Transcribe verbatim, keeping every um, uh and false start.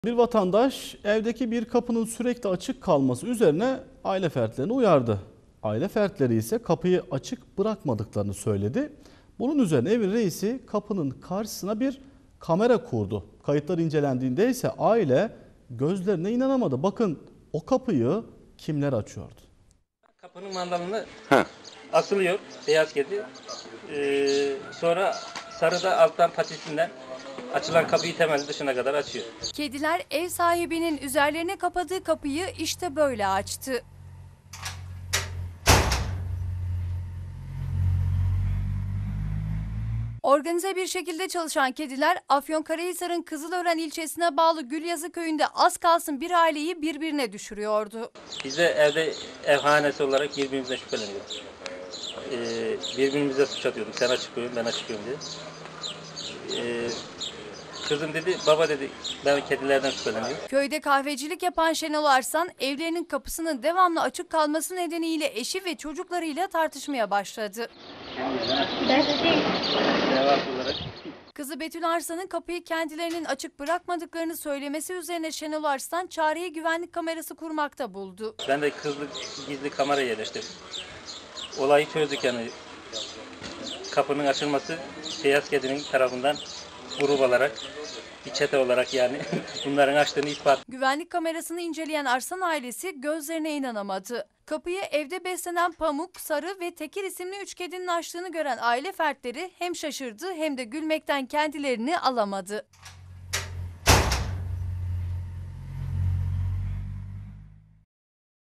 Bir vatandaş evdeki bir kapının sürekli açık kalması üzerine aile fertlerini uyardı. Aile fertleri ise kapıyı açık bırakmadıklarını söyledi. Bunun üzerine evin reisi kapının karşısına bir kamera kurdu. Kayıtlar incelendiğinde ise aile gözlerine inanamadı. Bakın o kapıyı kimler açıyordu? Kapının mandalını Ha. asılıyor beyaz kedi. Ee, sonra sarı da alttan patisinden açılan kapıyı temel dışına kadar açıyor. Kediler ev sahibinin üzerlerine kapadığı kapıyı işte böyle açtı. Organize bir şekilde çalışan kediler Afyonkarahisar'ın Kızılören ilçesine bağlı Gülyazı köyünde az kalsın bir aileyi birbirine düşürüyordu. Biz de evde ev hanesi olarak birbirimizden şüpheleniyoruz. Ee, birbirimize suç atıyorduk. Sen açık koyun, ben açık koyun diye. Ee, kızım dedi, baba dedi, ben kedilerden şüpheleniyorum. Köyde kahvecilik yapan Şenol Arslan evlerinin kapısının devamlı açık kalması nedeniyle eşi ve çocuklarıyla tartışmaya başladı. olarak. Kızı Betül Arslan'ın kapıyı kendilerinin açık bırakmadıklarını söylemesi üzerine Şenol Arslan çareyi güvenlik kamerası kurmakta buldu. Ben de kızlı gizli kamera yerleştirdim. Olayı çözdük yani. Kapının açılması beyaz kedinin tarafından grup olarak, bir çete olarak yani bunların açtığını ispat. Güvenlik kamerasını inceleyen Arslan ailesi gözlerine inanamadı. Kapıyı evde beslenen Pamuk, Sarı ve Tekir isimli üç kedinin açtığını gören aile fertleri hem şaşırdı hem de gülmekten kendilerini alamadı.